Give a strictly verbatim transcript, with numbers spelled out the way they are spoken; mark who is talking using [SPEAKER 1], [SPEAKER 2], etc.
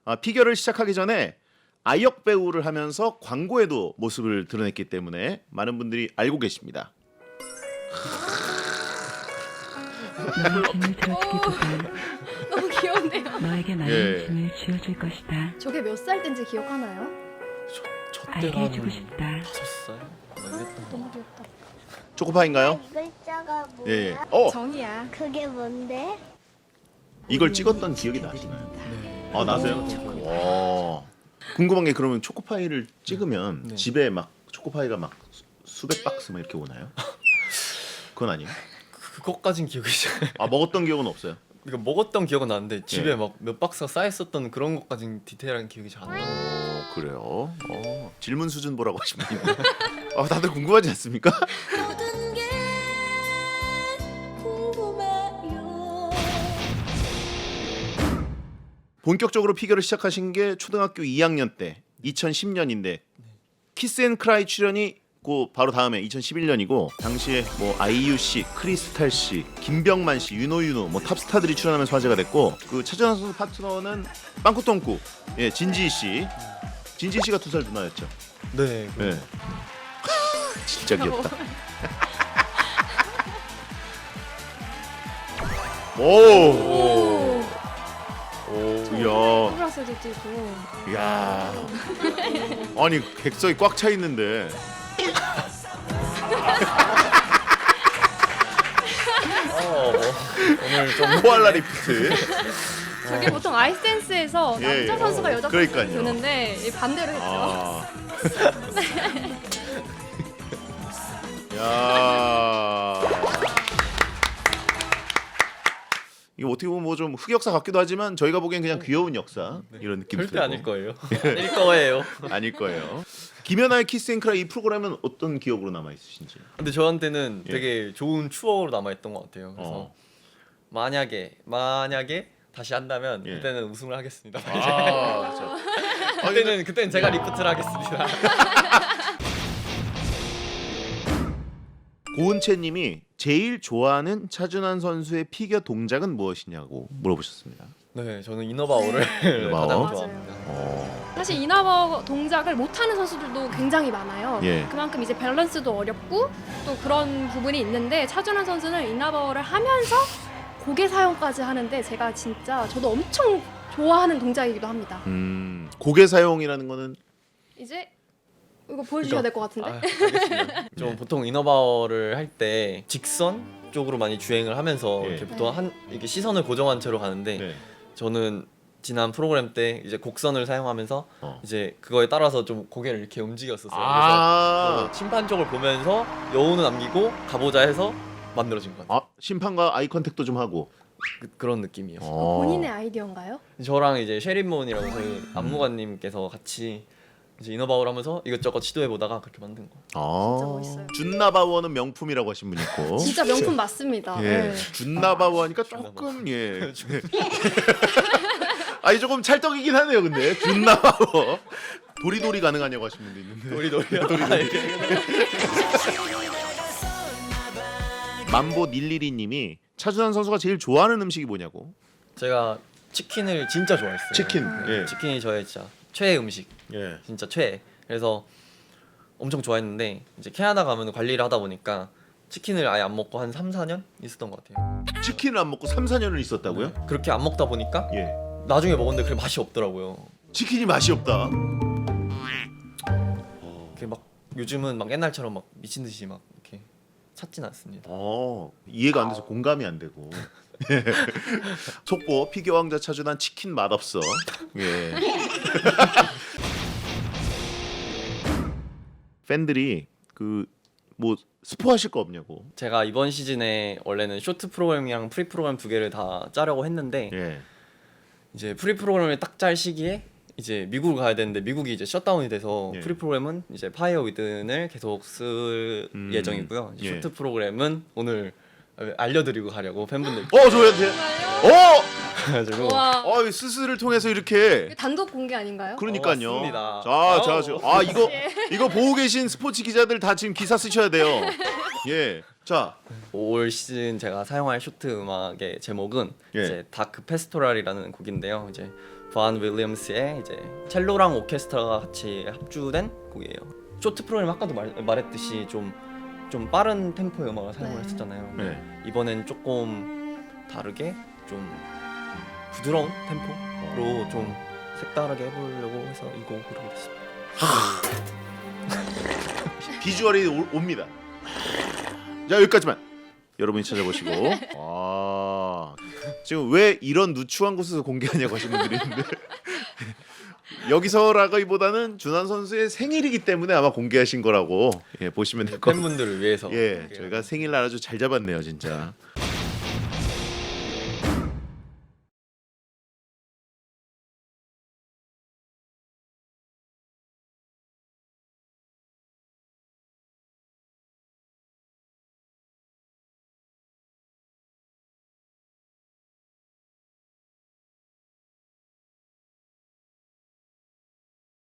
[SPEAKER 1] 아, 피겨를 시작하기 전에 아역 배우를 하면서 광고에도 모습을 드러냈기 때문에 많은 분들이 알고 계십니다.
[SPEAKER 2] 너의 짐을 들어주기보단
[SPEAKER 3] 너무 귀여운데요.
[SPEAKER 2] 너에게 많은
[SPEAKER 1] 예.
[SPEAKER 2] 짐을 지어줄 것이다.
[SPEAKER 3] 저게 몇 살 때인지 기억하나요?
[SPEAKER 4] 저
[SPEAKER 2] 알게
[SPEAKER 4] 때가
[SPEAKER 2] 해주고
[SPEAKER 4] 한
[SPEAKER 2] 싶다.
[SPEAKER 4] 다섯 살? 뭐 이랬던 거.
[SPEAKER 3] 너무 귀엽다.
[SPEAKER 1] 초코파인가요?
[SPEAKER 5] 글자가 뭐야?
[SPEAKER 1] 예. 예. 어,
[SPEAKER 3] 정이야.
[SPEAKER 5] 그게 뭔데?
[SPEAKER 1] 이걸 찍었던 기억이 나시나요?
[SPEAKER 4] 네.
[SPEAKER 1] 아, 나세요? 와. 궁금한 게 그러면 초코파이를 찍으면
[SPEAKER 4] 네.
[SPEAKER 1] 집에 막 초코파이가 막 수- 수백 박스 막 이렇게 오나요? 그건 아니에요.
[SPEAKER 4] 그것까진 기억이 잘.
[SPEAKER 1] 아, 먹었던 기억은 없어요.
[SPEAKER 4] 그러니까 먹었던 기억은 나는데 집에
[SPEAKER 1] 예.
[SPEAKER 4] 막 몇 박스가 쌓였었던 그런 것까진 디테일한 기억이 잘 안 나요.
[SPEAKER 1] 어, 그래요. 어, 질문 수준 보라고 하시면 아, 다들 궁금하지 않습니까?
[SPEAKER 5] 모든 게 궁금해요.
[SPEAKER 1] 본격적으로 피겨를 시작하신 게 초등학교 이 학년 때 이천십 년인데 키스앤크라이 출연이 그 바로 다음에 이천십일 년이고 당시에 뭐 아이유 씨, 크리스탈 씨, 김병만 씨, 윤호윤호 뭐 탑스타들이 출연하면서 화제가 됐고 그 차준환 선수 파트너는 빵꾸똥꾸 예 진지희 씨, 진지희 씨가 두 살 누나였죠.
[SPEAKER 4] 네.
[SPEAKER 1] 예. 진짜 귀엽다. 오,
[SPEAKER 3] 오.
[SPEAKER 4] 오.
[SPEAKER 1] 이야.
[SPEAKER 3] 프라스도 뛰고.
[SPEAKER 1] 야, 아니 객석이 꽉 차 있는데.
[SPEAKER 4] 어, 오늘 좀
[SPEAKER 1] 코알라 리프트.
[SPEAKER 3] 저게 보통 아이스댄스에서
[SPEAKER 1] 예, 예.
[SPEAKER 3] 남자 선수가 여자 선수를
[SPEAKER 1] 그러니까요.
[SPEAKER 3] 드는데 이 반대로 했죠.
[SPEAKER 1] 아. 야. 이거 어떻게 보면 뭐 좀 흑역사 같기도 하지만 저희가 보기엔 그냥 귀여운 역사 이런 느낌이
[SPEAKER 4] 절대 아닐
[SPEAKER 1] 들고.
[SPEAKER 4] 거예요. 아닐 거예요.
[SPEAKER 1] 아닐 거예요. 김연아의 키스앤크라이 이 프로그램은 어떤 기억으로 남아 있으신지.
[SPEAKER 4] 근데 저한테는
[SPEAKER 1] 예.
[SPEAKER 4] 되게 좋은 추억으로 남아 있던 것 같아요. 그래서
[SPEAKER 1] 어.
[SPEAKER 4] 만약에 만약에 다시 한다면
[SPEAKER 1] 예.
[SPEAKER 4] 그때는 우승을 하겠습니다.
[SPEAKER 1] 아, 저.
[SPEAKER 4] 그때는 그때는 제가 리프트를 하겠습니다.
[SPEAKER 1] 고은채님이 제일 좋아하는 차준환 선수의 피겨 동작은 무엇이냐고 물어보셨습니다.
[SPEAKER 4] 네, 저는 이너바오를
[SPEAKER 1] 이너바오?
[SPEAKER 4] 가장
[SPEAKER 3] 맞아요.
[SPEAKER 4] 좋아합니다.
[SPEAKER 1] 어.
[SPEAKER 3] 사실 이너버 동작을 못하는 선수들도 굉장히 많아요.
[SPEAKER 1] 예.
[SPEAKER 3] 그만큼 이제 밸런스도 어렵고 또 그런 부분이 있는데 차준환 선수는 이너버를 하면서 고개 사용까지 하는데 제가 진짜 저도 엄청 좋아하는 동작이기도 합니다.
[SPEAKER 1] 음, 고개 사용이라는 거는
[SPEAKER 3] 이제 이거 보여주셔야 될 것 같은데.
[SPEAKER 4] 아, 알겠습니다. 좀
[SPEAKER 1] 네.
[SPEAKER 4] 보통 이너바오를 할 때 직선 쪽으로 많이 주행을 하면서
[SPEAKER 1] 예.
[SPEAKER 4] 이렇게 보통 한 이렇게 시선을 고정한 채로 가는데
[SPEAKER 1] 네.
[SPEAKER 4] 저는 지난 프로그램 때 이제 곡선을 사용하면서
[SPEAKER 1] 어.
[SPEAKER 4] 이제 그거에 따라서 좀 고개를 이렇게 움직였었어요. 그래서
[SPEAKER 1] 아,
[SPEAKER 4] 어, 심판 쪽을 보면서 여운을 남기고 가보자 해서 만들어진 것 같아요.
[SPEAKER 1] 아, 심판과 아이 컨택도 좀 하고.
[SPEAKER 4] 그, 그런 느낌이에요.
[SPEAKER 1] 어.
[SPEAKER 3] 본인의 아이디어인가요?
[SPEAKER 4] 저랑 이제 셰린몬이라고 저희 안무관님께서 같이 이제 이너바우를 하면서 이것저것 시도해 보다가 그렇게 만든 거.
[SPEAKER 1] 아,
[SPEAKER 3] 진짜 멋있어요.
[SPEAKER 1] 준나바워는 명품이라고 하신 분 있고.
[SPEAKER 3] 진짜 명품 맞습니다.
[SPEAKER 1] 예,
[SPEAKER 3] 네.
[SPEAKER 1] 준나바워 하니까 조금 예. 아니 조금 찰떡이긴 하네요, 근데 준나바워. 도리도리 가능하냐고 하신 분도 있는데.
[SPEAKER 4] 도리도리요.
[SPEAKER 1] 만보 닐리리님이 차준환 선수가 제일 좋아하는 음식이 뭐냐고.
[SPEAKER 4] 제가 치킨을 진짜 좋아했어요.
[SPEAKER 1] 치킨,
[SPEAKER 4] 네,
[SPEAKER 1] 예.
[SPEAKER 4] 치킨이 저의 진짜 최애 음식.
[SPEAKER 1] 예.
[SPEAKER 4] 진짜 최애. 그래서 엄청 좋아했는데 이제 캐나다 가면 관리를 하다 보니까 치킨을 아예 안 먹고 한 삼, 사 년 있었던 것 같아요.
[SPEAKER 1] 치킨을 안 먹고 삼, 사 년을 있었다고요?
[SPEAKER 4] 네. 그렇게 안 먹다 보니까
[SPEAKER 1] 예.
[SPEAKER 4] 나중에 먹었는데 그게 맛이 없더라고요.
[SPEAKER 1] 치킨이 맛이 없다.
[SPEAKER 4] 그게 막 요즘은 막 옛날처럼 막 미친 듯이 막 이렇게 찾진 않습니다.
[SPEAKER 1] 어, 이해가 안 돼서 공감이 안 되고. 예. 속보 피겨 왕자 차준환 치킨 맛없어. 예. 팬들이 그 뭐 스포하실 거 없냐고.
[SPEAKER 4] 제가 이번 시즌에 원래는 쇼트 프로그램이랑 프리 프로그램 두 개를 다 짜려고 했는데
[SPEAKER 1] 예.
[SPEAKER 4] 이제 프리 프로그램을 딱 짤 시기에 이제 미국을 가야 되는데 미국이 이제 셧다운이 돼서
[SPEAKER 1] 예.
[SPEAKER 4] 프리 프로그램은 이제 파이어 위든을 계속 쓸
[SPEAKER 1] 음,
[SPEAKER 4] 예정이고요. 이제
[SPEAKER 1] 예.
[SPEAKER 4] 쇼트 프로그램은 오늘 알려드리고 가려고 팬분들.
[SPEAKER 1] 어, 저한테. 어!
[SPEAKER 4] 그래가지고
[SPEAKER 3] 와.
[SPEAKER 1] 어, 스스를 통해서 이렇게
[SPEAKER 3] 단독 공개 아닌가요?
[SPEAKER 1] 그러니까요.
[SPEAKER 4] 어, 맞습니다.
[SPEAKER 1] 자, 자,
[SPEAKER 4] 아우.
[SPEAKER 1] 지금 아 이거 이거 보고 계신 스포츠 기자들 다 지금 기사 쓰셔야 돼요. 예. 자,
[SPEAKER 4] 올 시즌 제가 사용할 쇼트 음악의 제목은
[SPEAKER 1] 예.
[SPEAKER 4] 이제 다크 페스토랄이라는 곡인데요. 이제 브안 윌리엄스의 이제 첼로랑 오케스트라가 같이 합주된 곡이에요. 쇼트 프로그램 아까도 말, 말했듯이 좀 좀 빠른 템포의 음악을 사용을
[SPEAKER 3] 네.
[SPEAKER 4] 했었잖아요.
[SPEAKER 1] 네.
[SPEAKER 4] 이번엔 조금 다르게 좀 부드러운 템포로 좀 색다르게 해보려고 해서 이 곡을 부르게 됐습니다.
[SPEAKER 1] 비주얼이 오, 옵니다. 자, 여기까지만 여러분이 찾아보시고. 아, 지금 왜 이런 누추한 곳에서 공개하냐고 하시는 분들이 있는데 여기서라기보다는 준환 선수의 생일이기 때문에 아마 공개하신 거라고 예, 보시면 될 것 같아요.
[SPEAKER 4] 팬분들을 위해서
[SPEAKER 1] 예, 저희가 생일날 아주 잘 잡았네요, 진짜.